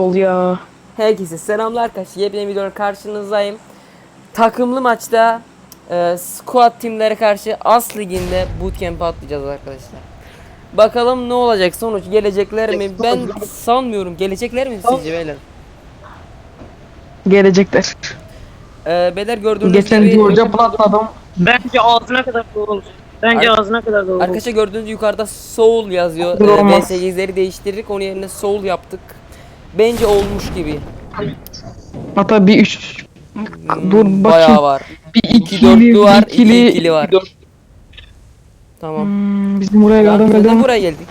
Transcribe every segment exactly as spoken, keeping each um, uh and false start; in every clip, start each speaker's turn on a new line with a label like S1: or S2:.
S1: Oluyor.
S2: Herkese selamlar arkadaşlar. Yepyeni videoda karşınızdayım. Takımlı maçta e, squad timlere karşı As Ligi'nde bootcamp atlayacağız arkadaşlar. Bakalım ne olacak, sonuç gelecekler mi? Ben sanmıyorum. Gelecekler mi sizce beyler?
S1: Gelecekler.
S2: E, beyler gördüğünüz
S1: Geçen
S2: gibi
S1: George'a platladım.
S3: Bence ağzına kadar dolu olur. Bence
S2: Ar-
S3: ağzına kadar dolu olur.
S2: arkadaşlar gördüğünüz yukarıda Soul yazıyor.
S1: Dur,
S2: E,
S1: olmaz.
S2: V S sekizleri değiştirdik. Onun yerine Soul yaptık. Bence olmuş gibi.
S1: Hatta bir üç.
S2: Hmm,
S1: Dur
S2: bayağı
S1: bakayım.
S2: var.
S1: Bir
S2: İki
S1: ikili,
S2: dörtlü
S1: bir
S2: var, iki
S1: ikili.
S2: ikili var. Tamam.
S1: Hmm, bizim buraya
S2: Ya,
S1: yardım
S2: neden
S1: edelim.
S2: buraya geldik?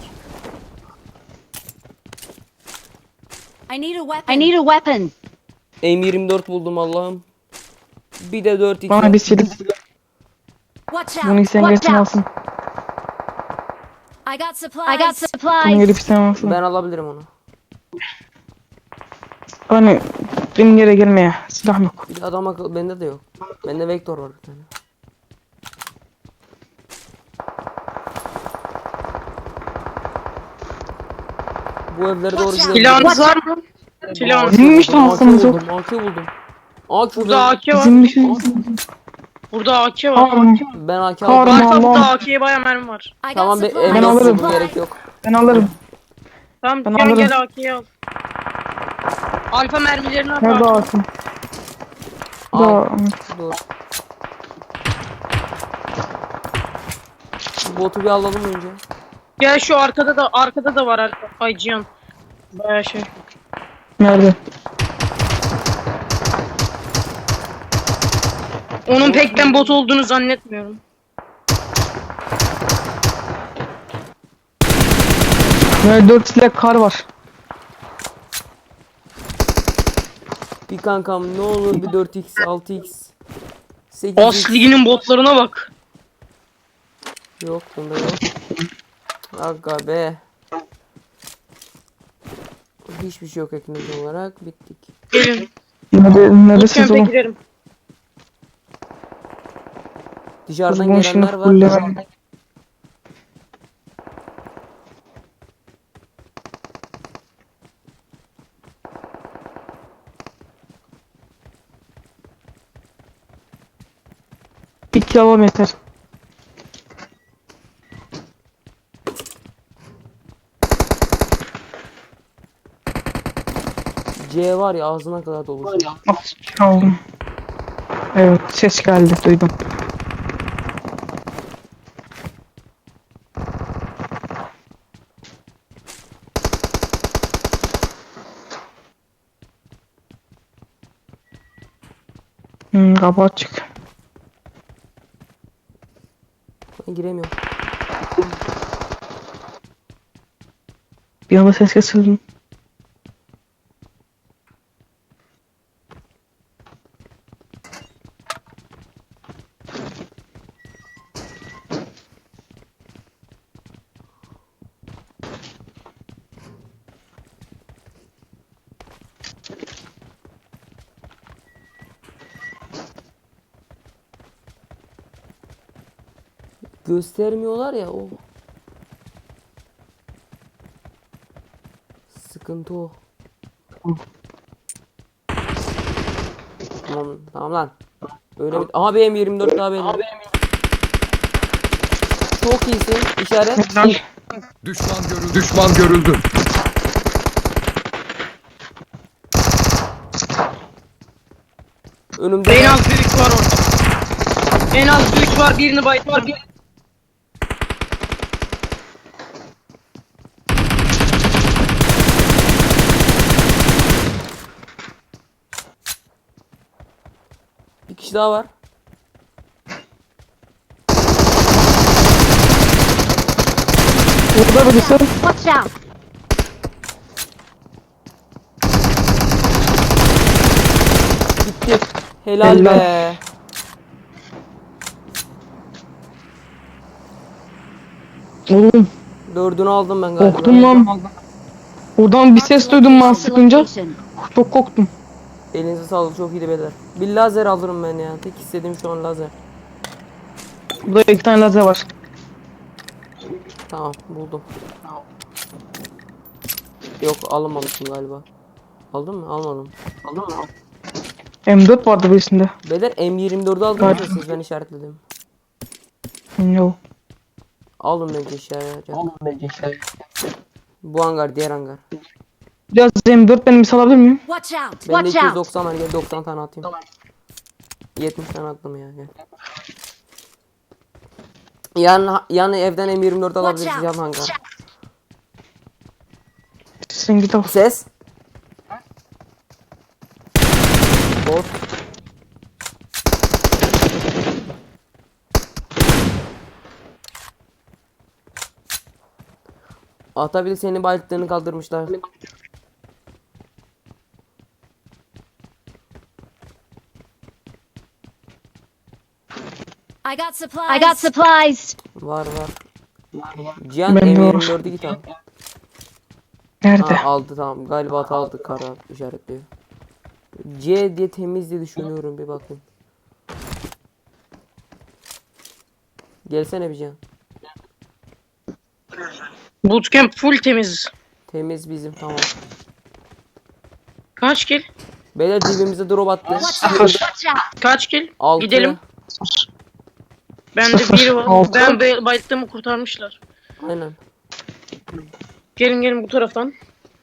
S4: I need a weapon. I need a weapon.
S2: M yirmi dört buldum Allah'ım. Bir de dört iki.
S1: Bana bir silik.
S4: Watch
S1: Bunu
S4: out.
S1: isteyen
S4: Watch
S1: geçsin
S4: out.
S1: alsın.
S4: I got supplies. I got
S1: Bunu
S4: supplies.
S1: gelip isteyen alsın.
S2: Ben alabilirim onu.
S1: Hani benim yere gelmeye silah yok.
S2: Bir de adam akıllı bende de yok. Bende vektör var bir tane. Bu evlere doğru gidelim.
S3: Silahınız var mı? Silahınız.
S1: Bizim işte
S2: A K
S1: alsanız yok.
S2: buldum, A K buldum. A K
S3: Burada A K var.
S1: Bizim bir şey.
S3: Burada A K var.
S1: Tamam.
S2: Ben A K
S1: Kahraman.
S2: aldım.
S3: Varsa burada
S1: Allah.
S3: A K'ye baya mermi var.
S4: I got
S2: Tamam be,
S4: supplies.
S2: M
S1: Ben alırım.
S2: dört gerek yok.
S1: Ben alırım.
S3: Tamam
S1: Ben
S3: gel
S1: alırım.
S3: gel A K'yi al. Alfa mermilerini al.
S1: Nerede alsın?
S2: Al.
S1: Da.
S2: Dur. Bu botu bir alalım önce.
S3: Gel şu arkada da arkada da var arka. Ay Cihan. Baya şey.
S1: Nerede?
S3: Onun pek ben bot olduğunu zannetmiyorum.
S1: Böyle dört silah kar var.
S2: Bir kankam ne olur bir dört x, altı x, sekiz x.
S3: As liginin botlarına bak.
S2: Yok bunda yok. Aga be. Hiçbir şey yok ekmek olarak. Bittik.
S3: Gelin.
S1: Nerede, neredesiniz
S3: Bootcamp'e
S1: oğlum?
S3: giderim.
S2: Dışarıdan
S1: Kuzgun şunu
S2: gelenler var.
S1: fullemem. İki alalım yeter.
S2: C var ya ağzına kadar dolu.
S1: Aldım. Evet, ses geldi, duydum. Hmm, kapı açık.
S2: Ben giremiyorum.
S1: Bir anda ses kesildi.
S2: Göstermiyorlar ya o. Sıkıntı o. Tamam, tamam lan. Öyle bir... Aha B M yirmi dört daha belli. Çok iyisin. İşaret.
S5: Düşman görüldü. Düşman görüldü.
S2: Önümde.
S3: En az bir üç var orada. En az bir üç var. Birini bayılttım.
S2: Bir kişi daha var.
S1: Burada birisi.
S4: Watch out.
S2: Gitti. Helal,
S1: Helal.
S2: be.
S1: Oğlum,
S2: Dördünü aldım ben galiba.
S1: korktum lan. Buradan bir ses duydum ben sıkınca.
S4: Location.
S1: Çok korktum.
S2: Elinize sağlık, çok iyiydi beyler. Bir lazer alırım ben ya. Tek istediğim şu an lazer.
S1: Burada iki tane lazer var.
S2: Tamam buldum. Yok alamamışım galiba. Aldın mı? Almadım.
S1: M dört vardı birisinde.
S2: Beyler M yirmi dördü aldınız mı siz? Ben işaretledim.
S1: Yok.
S2: Alın bence işaret. Alın bence işaret. Bu hangar, diğer hangar.
S1: Biraz M dört benim misal alabilir miyim?
S4: Watch out!
S2: Bende
S4: Watch
S2: iki yüz
S4: out!
S2: doksan var, gel doksan tane atayım. yetmiş tane attım ya, gel. Yan, yan evden M yirmi dört alabiliriz,
S4: out.
S2: yan hangar.
S1: Sen git al.
S2: Ses. Bot. Atabil senin bayılttığını kaldırmışlar.
S4: I got supplies. I got supplies.
S2: Var var. Cihan
S1: Ben de
S2: M
S1: var.
S2: yirmi dördü git al.
S1: Nerede?
S2: Ha, aldı tamam. Galiba ata aldı, kara işaretliyor. C diye temiz diye düşünüyorum, bir bakayım. Gelsene bir Cihan.
S3: Bootcamp full temiz.
S2: Temiz bizim, tamam.
S3: Kaç kill?
S2: Beyler dibimize drop attı.
S4: Watch out! Watch out!
S3: Kaç kill?
S2: Altı.
S3: Gidelim. Bende biri var.
S1: Altı.
S3: Ben be- bayılttığımı kurtarmışlar.
S2: Aynen.
S3: Gelin gelin bu taraftan.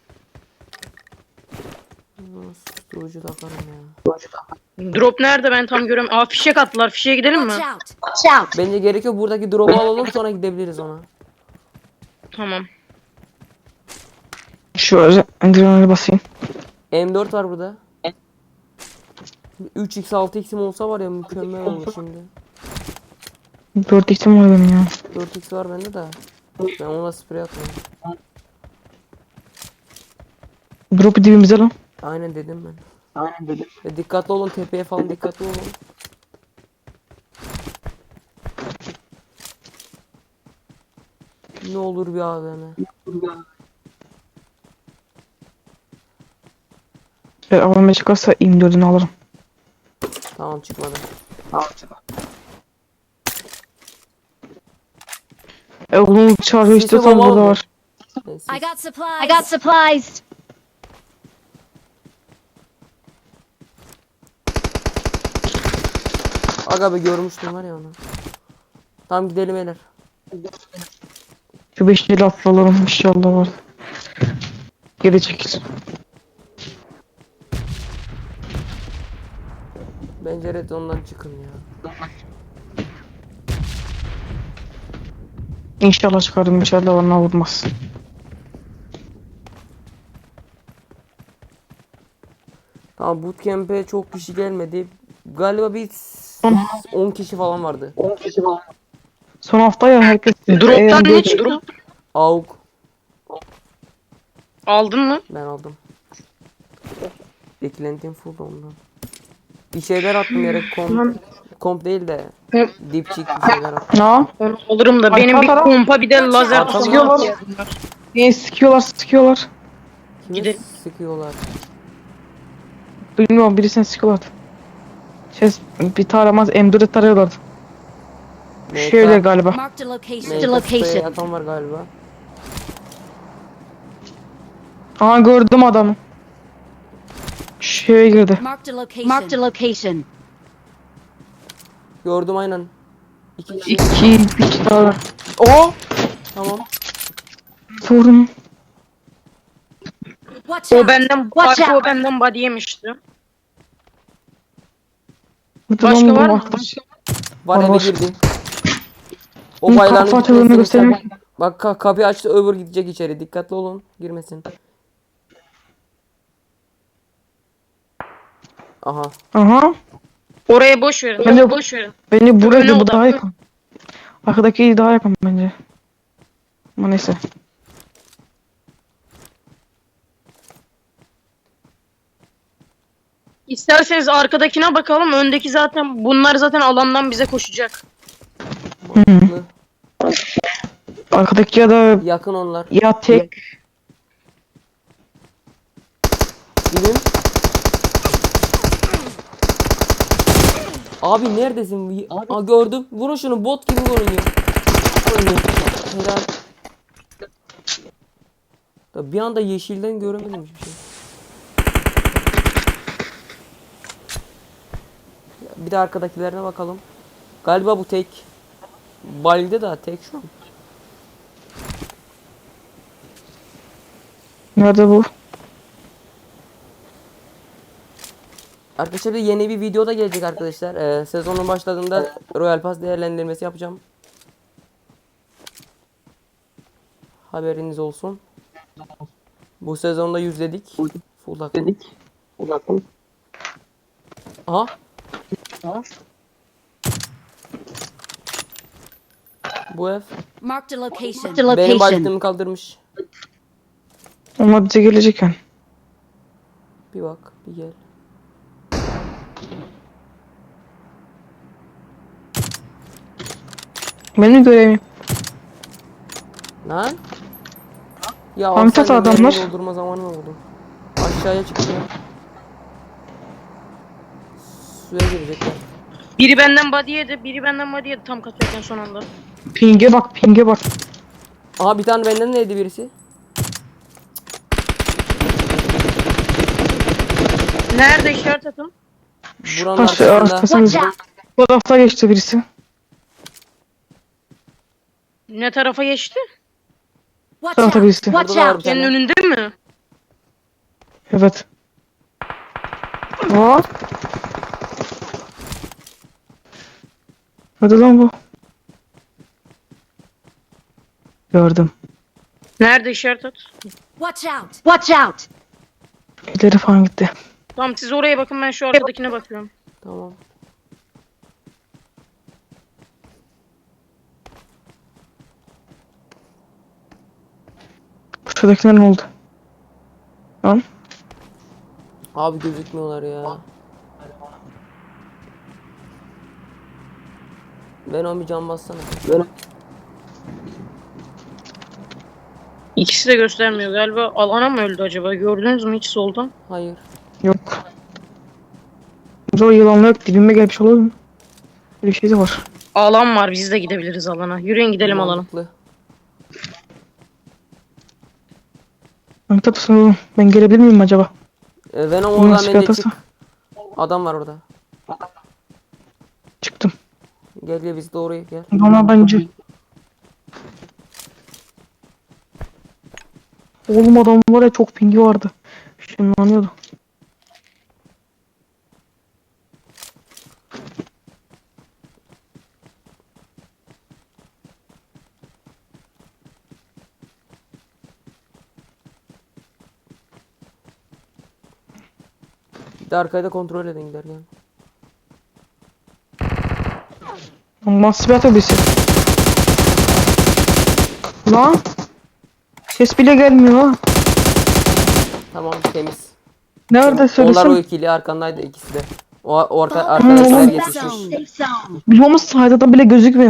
S2: Susturucu takarım ya.
S3: Drop nerede ben tam göremiyorum. Aa fişek attılar. Fişeğe gidelim mi?
S4: Watch out! Watch out!
S2: Bence gerekiyor, buradaki drop'u alalım sonra gidebiliriz ona.
S3: Tamam.
S1: Şu adrenalini basayım.
S2: M dört var burada. üç x altı x'im olsa var ya mükemmel olur şimdi.
S1: dört x'im var benim ya.
S2: dört x var bende de. Ben ona sprey atmıyorum.
S1: Drop'u dibimize lan.
S2: Aynen dedim ben. Aynen dedim. E, dikkatli olun, tepeye falan dikkatli olun. Ne olur bir A V M.
S1: Eğer avlanmaya çıkarsa M dördünü alırım.
S2: Tamam, çıkmadı.
S1: E oğlum çağrı
S2: Sisi
S1: istiyorsan
S2: baba
S1: burada
S2: oldu.
S1: var.
S2: Neyse.
S4: I got supplies. I got supplies.
S2: Aga be, görmüştüm var ya onu. Tamam gidelim beyler.
S1: Şu beş el atlalarım inşallah var. Geri çekil.
S2: Bence red ondan çıkın ya.
S1: İnşallah çıkarım, inşallah ona vurmaz.
S2: Tamam, bootcamp'e çok kişi gelmedi. Galiba bir on kişi falan vardı.
S1: Son hafta ya herkes...
S3: Drop'tan
S1: E,
S3: ne çıktı?
S2: AUK
S3: Aldın mı?
S2: ben aldım. Beklentim full ondan. Bir şeyler attım yere, komp, komp değil de
S3: Hı.
S2: dipçik bir şeyler attım.
S1: Ne?
S3: Onu alırım da benim bir
S1: Arka taraf-
S3: kompa bir de lazer
S2: Arka
S3: tutması
S1: taraf-
S3: ihtiyacım var.
S1: Niye sıkıyorlar sıkıyorlar.
S2: Kimi
S3: Gidelim.
S2: sıkıyorlar?
S1: Bilmiyorum, birisini sıkıyorlardı. Şey, bir taramaz M dört'e tarıyorlardı.
S2: M K
S1: Şöyle galiba.
S4: Marked a location.
S2: M K
S4: Marked a
S2: sprey
S4: location.
S2: atan var galiba.
S1: Aa gördüm adamı. Şeye girdi.
S4: Marked a location. Marked a location.
S2: Gördüm aynen. İki kişi.
S1: İki, üç tane.
S2: Oo! Tamam.
S1: Sorun.
S4: Watch
S3: O
S4: out!
S3: benden,
S4: Watch
S3: arka
S4: out!
S3: o benden body yemişti.
S1: Başka
S3: Başka var mı?
S2: Var,
S1: Var,
S2: eve
S1: var.
S2: girdi. O
S1: Bunun
S2: bayrağını
S1: kafa açıldığını
S2: gitmesini
S1: göstereyim.
S2: sen- Bak ka- kapıyı açtı, öbür gidecek içeri. Dikkatli olun, girmesin. Aha.
S1: Aha.
S3: Oraya boş verin.
S1: Ben de-
S3: Bence boş verin.
S1: Bence
S3: Öne
S1: burası bu
S3: odaklı.
S1: daha yakın. Arkadaki daha yakın bence. Ama neyse.
S3: İsterseniz arkadakine bakalım. Öndeki zaten bunlar zaten alandan bize koşacak.
S2: Mantıklı.
S1: Arkadaki ya da
S2: Yakın onlar.
S1: ya tek.
S2: Gidin. Abi neredesin? Aa, gördüm. Vurun şunu, bot gibi vuruyor. Helal. Da bir anda yeşilden göremedim hiçbir şey. Bir de arkadakilerine bakalım. Galiba bu tek. Balde da tek şu an.
S1: Nerede bu?
S2: Arkadaşlar bir yeni bir video da gelecek arkadaşlar. Ee, sezonun başladığında Royal Pass değerlendirmesi yapacağım. Haberiniz olsun. Bu sezonda yüzledik. Full akım. Full akım. Aha. Bu ev.
S4: Marked a location.
S6: Marked a
S2: Benim
S6: location.
S2: başlığımı kaldırmış.
S1: Onlar bize gelecek yani.
S2: Bir bak, bir gel.
S1: Benim görevim.
S2: Lan? Ya
S1: Hamitat
S2: alsaydım
S1: adamlar.
S2: benim doldurma zamanı mı oldu? Aşağıya çıktı ya. Suya girecekler.
S3: Biri benden body yedi, biri benden body yedi tam kaçarken son anda.
S1: Ping'e bak, ping'e bak.
S2: Aha bir tane benden neydi birisi?
S3: Nerede işaret atın?
S2: Buranın
S1: Taş
S2: arkasında.
S1: arkasında.
S6: Watch out.
S1: Bu tarafta geçti birisi.
S3: Ne tarafa geçti?
S1: Bu
S4: Watch
S1: tarafta
S4: out!
S1: birisi.
S6: Watch
S2: Burada da var bir
S6: out.
S3: Senin
S2: tane.
S3: önünde mi?
S1: Evet. Aa. Hadi lan bu. Gördüm.
S3: Nerede işaret at?
S4: Watch out!
S6: Watch out.
S1: İleri falan gitti.
S3: Tamam siz oraya bakın ben şu arkadakine bakıyorum.
S2: Tamam.
S1: Şuradakiler ne oldu? Lan.
S2: Abi gözükmüyorlar ya. Ben o bir can bassana.
S3: İkisi de göstermiyor galiba. Alana mı öldü acaba? Gördünüz mü hiç soldan?
S2: Hayır.
S1: Yok. Zor yılanlar yok. Dibime gelmiş olur mu? Böyle bir şey de var.
S3: Alan var biz de gidebiliriz alana. Yürüyün gidelim alana.
S2: Mantıklı.
S1: Ben tapısın oğlum. Ben gelebilir miyim acaba?
S2: Ee, Venom
S1: Bunun
S2: oradan
S1: nasıl
S2: bence
S1: fiyatası?
S2: çık. Adam var orada.
S1: Çıktım.
S2: Gel gel biz doğru gel.
S1: Ama bence. Oğlum adam var ya çok pingi vardı. Şunlanıyordu.
S2: Bir de arkayı da kontrol edin giderken.
S1: Nasıl bir atabisi? Lan. Ses bile gelmiyor ha.
S2: Tamam temiz.
S1: Nerede
S2: Onlar o
S1: söylesem?
S2: ikili arkandaydı ikisi de. O orta
S1: Hmm,
S2: arkadaşlar
S1: oğlum.
S2: yetişmiş.
S6: Safe zone.
S1: Bilmemiz sayıda bile gözükmüyor.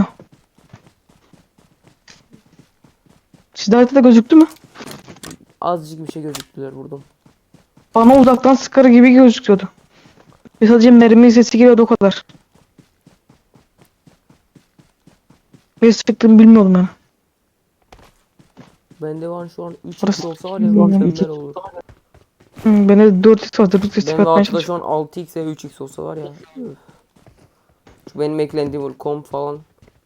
S1: Sizde haritada gözüktü mü?
S2: Azıcık bir şey gözüktüler vurdum.
S1: Bana uzaktan sıkarı gibi gözüküyordu. Ve sadece mermi sesi geliyordu o kadar. Ne sıktığımı bilmiyordum yani.
S2: Bende var şu an üç
S1: Burası-
S2: x olsa var ya
S1: Hmm,
S2: mükemmel
S1: iki-
S2: olur.
S1: Hmm, bende dört x var. dört x
S2: Benim
S1: atmaya
S2: altıda
S1: çalışıyorum.
S2: şu an altı x ve üç x olsa var ya. Üf. Şu benim eklendiğim kom falan.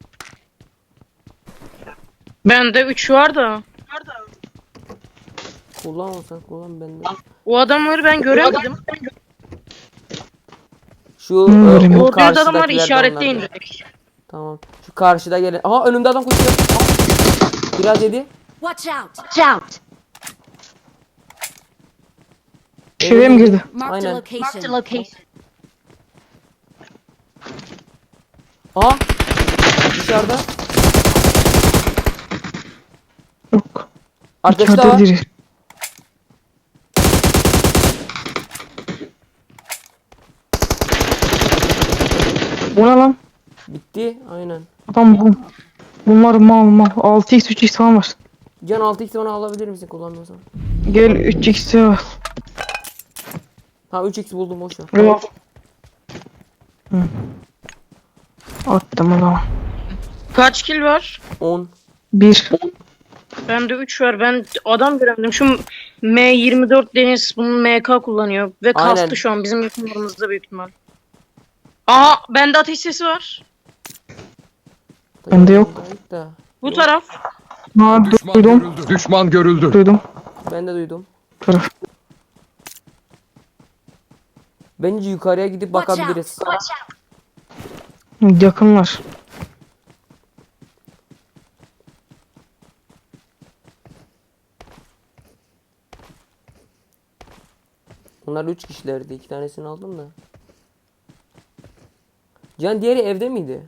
S3: Bende üç var da.
S2: Kullanmasan kullan bende.
S3: O adamları ben göremedim.
S2: Şu
S1: Hmm,
S2: e,
S1: göremiyorum.
S2: o
S3: Gördüğünüz adamlar
S2: karşıdakiler de
S3: işaretleyin
S2: onlardı.
S3: direkt.
S2: Tamam. Şu karşıda gelen. Aha önümde adam koşuyor. Aa, biraz yedi.
S4: Watch out!
S6: Watch out.
S1: Şuraya mı girdi?
S4: Marked a
S2: Aynen.
S6: Marked a
S4: location.
S6: location.
S2: Aha. Dışarıda.
S1: Yok.
S2: Arkadaşı da
S1: İçeride
S2: var.
S1: biri. Bu ne lan?
S2: Bitti. Aynen.
S1: Adam bu. Bunlar mal mal. altı x üç x falan var.
S2: Can altı x bana alabilir misin kullanmıyorsan?
S1: Gel üç x'e var.
S2: Ha üç x buldum boş ver.
S1: Yok. Hı. Attım o zaman.
S3: Kaç kill var?
S2: on.
S1: bir.
S3: Bende üç var. Ben adam göremedim. Şu M yirmi dört Deniz bunun M K kullanıyor. Ve kastı
S2: Aynen.
S3: şu an bizim yakınlarımızda büyük ihtimal. Aha bende ateş sesi var.
S1: Bende yok.
S2: Da.
S3: Bu
S2: Yok,
S3: taraf.
S1: Ha,
S5: Düşman
S1: duydum.
S5: görüldü. Düşman görüldü.
S1: Duydum.
S2: ben de duydum.
S1: Taraf.
S2: Bence yukarıya gidip
S4: Watch out.
S2: bakabiliriz.
S1: Yakınlar.
S2: Onlar üç kişilerdi. iki tanesini aldım da. Can diğeri evde miydi?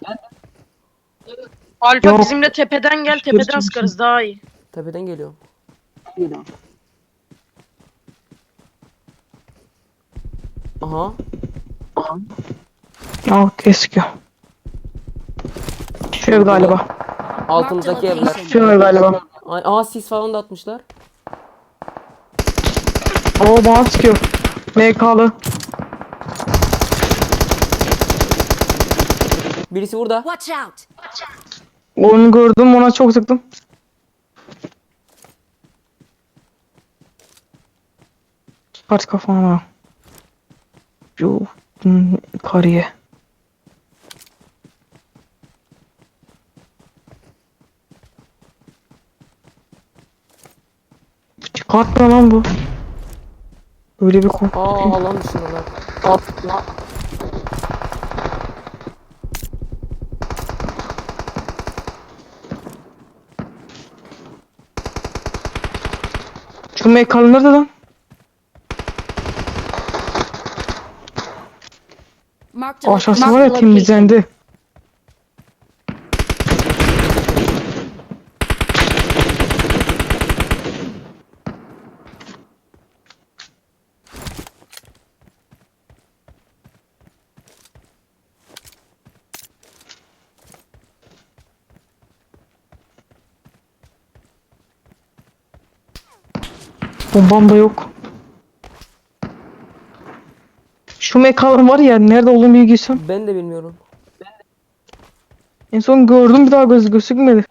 S3: Alfa
S1: Yok.
S3: bizimle tepeden gel, tepeden sıkarız daha iyi.
S2: Tepeden geliyorum. Aha.
S1: Aa, keskiyor. Şu ev galiba.
S2: Altımızdaki evler.
S1: Şu ev galiba.
S2: Ay, aha sis falan da atmışlar.
S1: Oo, bana sıkıyor. M K'lı.
S2: Birisi burada.
S4: Watch out.
S1: Onu gördüm, ona çok sıktım. Çıkart kafana. Şu hmm, kariye. Çıkartma lan bu. Öyle bir korku.
S2: Aa alan dışındalar.
S1: Şu M K'lı nerede lan?
S4: Marked a
S1: Aşağısı
S4: marked
S1: var
S4: a
S1: ya,
S4: location.
S1: temizlendi. Bombam da yok. Şu mekanın var ya, nerede olduğunu bilgisem.
S2: Ben de bilmiyorum.
S1: En son gördüm, bir daha göz gözükmedi.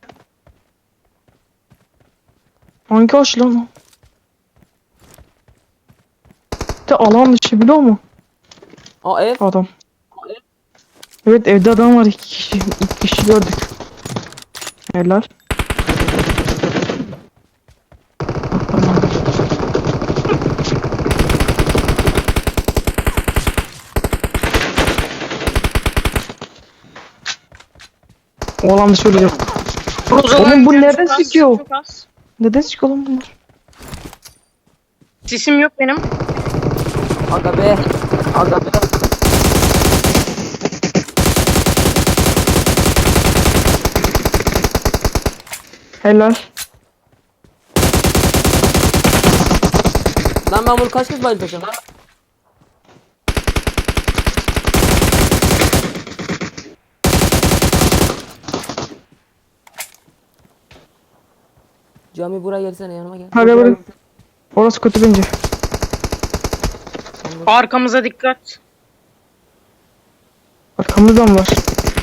S1: Hangi aç lan o? De alan dışı, biliyor musun
S2: Aa ev.
S1: adam? Evet, evde adam var, iki kişi. İki kişi gördük. Helal. O alan dışı ölecek. Oğlum, bu nereden
S3: Çok az,
S1: sıkıyor?
S3: çok az.
S1: Neden sıkıyor lan bunlar?
S3: Sesim yok benim.
S2: Aga be. Aga be.
S1: Helal.
S2: Lan ben bunu kaç kez bayıltacağım? Cami buraya gelsene, yanıma gel.
S1: Hadi bırak. Orası kötü bence.
S3: Arkamıza dikkat.
S1: Arkamızdan var.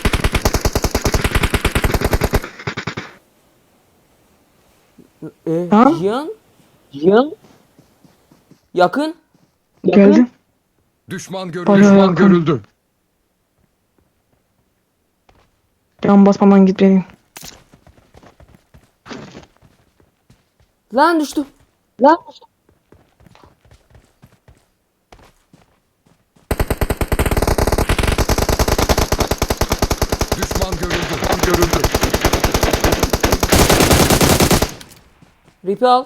S2: Ee,
S1: Ha?
S2: Cihan? Cihan? Yakın.
S1: Geldi.
S5: Düşman görüldü.
S1: Bayağı
S5: Düşman
S1: yakın.
S5: görüldü.
S1: Yan basmadan gitmeliyim.
S2: Lan düştüm. Lan düştüm.
S5: Düşman görüldü. Düşman görüldü.
S2: Ripi al.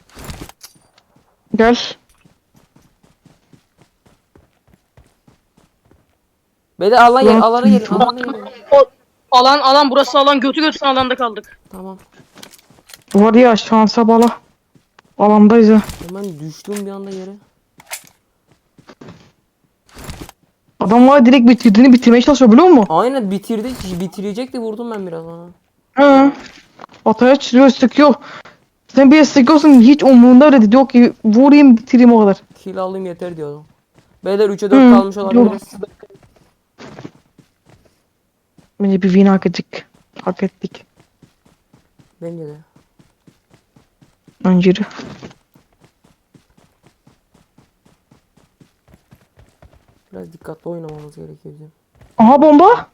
S1: Gel.
S2: Beyler alan yer,
S1: Lan.
S2: alana gelin, alana gelin.
S3: Alan alan burası alan, götü götüne alanda kaldık.
S2: Tamam.
S1: Var ya, şansa bala. Alandayız ha.
S2: Hemen düştüm bir anda yere.
S1: Adam var, direkt bitirdiğini bitirmeye çalışıyor, biliyor musun?
S2: Aynen bitirdi. Bitirecekti, vurdum ben biraz ona.
S1: He. Ataya çırıyor, sıkıyor. Sen bir sıkıyorsun, hiç umurunda bile değil. Diyor ki vurayım, bitireyim, o kadar.
S2: Kill alayım yeter diyordum. Beyler üçe dört
S1: Hı,
S2: kalmış olabiliriz.
S1: Bence bir win hak ettik. Hak ettik.
S2: Bence de.
S1: Önceri.
S2: Biraz dikkatli oynamamız gerekiyor bizim.
S1: Aha bomba.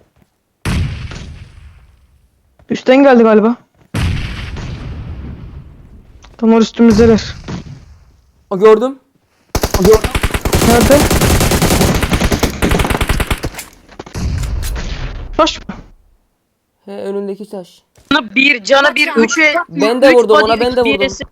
S1: Üstten geldi galiba. Tam üstümüzdeler.
S2: O gördüm.
S1: Nerede? Taş mı?
S2: He önündeki taş.
S3: Cana bir, cana bir, üçe.
S2: Ben de
S3: üç
S2: vurdum,
S3: body,
S2: ona ben de
S3: üç
S2: vurdum.
S3: birisi.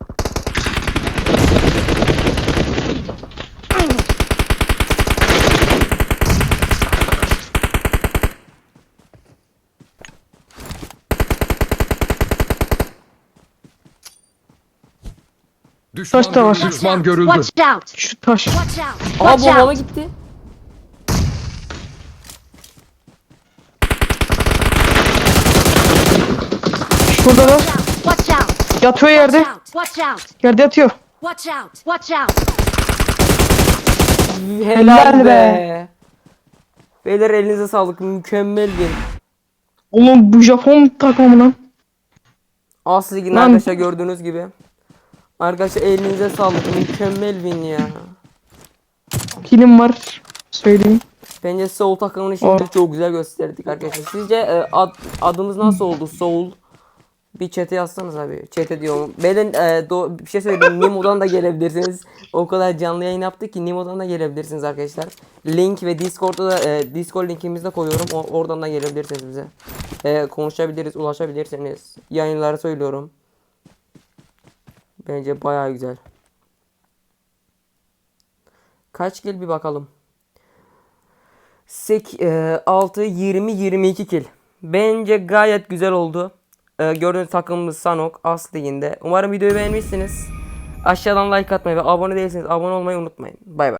S5: Düşman
S1: Taş da var.
S5: görüldü. Düşman görüldü.
S4: Watch out!
S1: Şu taş.
S4: Watch out!
S2: Aha
S4: Watch
S2: bombama
S4: out!
S2: gitti.
S1: Şuradalar.
S4: Watch out!
S1: Yatıyor yerde.
S4: Watch out! Watch out!
S1: Yerde yatıyor.
S4: Watch out! Watch out!
S2: Helal
S1: Helal
S2: be.
S1: be.
S2: Beyler elinize sağlık. Mükemmel bir.
S1: Oğlum bu Japon takımı lan.
S2: As liginde
S1: Lan.
S2: arkadaşlar gördüğünüz gibi. Arkadaşlar elinize sağlık. Mükemmel win ya.
S1: Kilim var. Söyleyeyim.
S2: Bence Soul takımını şimdi
S1: Oh.
S2: çok güzel gösterdik arkadaşlar. Sizce e, ad, adımız nasıl oldu Soul? Bir chat'e yazsanız abi. Chat'e diyorum. Beyler e, do- bir şey söyleyeyim. Nimo'dan da gelebilirsiniz. O kadar canlı yayın yaptık ki Nimo'dan da gelebilirsiniz arkadaşlar. Link ve Discord'da da e, Discord linkimizi de koyuyorum. O, oradan da gelebilirsiniz bize. E, konuşabiliriz, ulaşabilirsiniz. Yayınları söylüyorum. Bence bayağı güzel. Kaç kill bir bakalım. altı, yirmi, yirmi iki kill. Bence gayet güzel oldu. Ee, gördüğünüz takımımız Sanok As Ligi'nde. Umarım videoyu beğenmişsiniz. Aşağıdan like atmayı ve abone değilseniz abone olmayı unutmayın. Bay bay.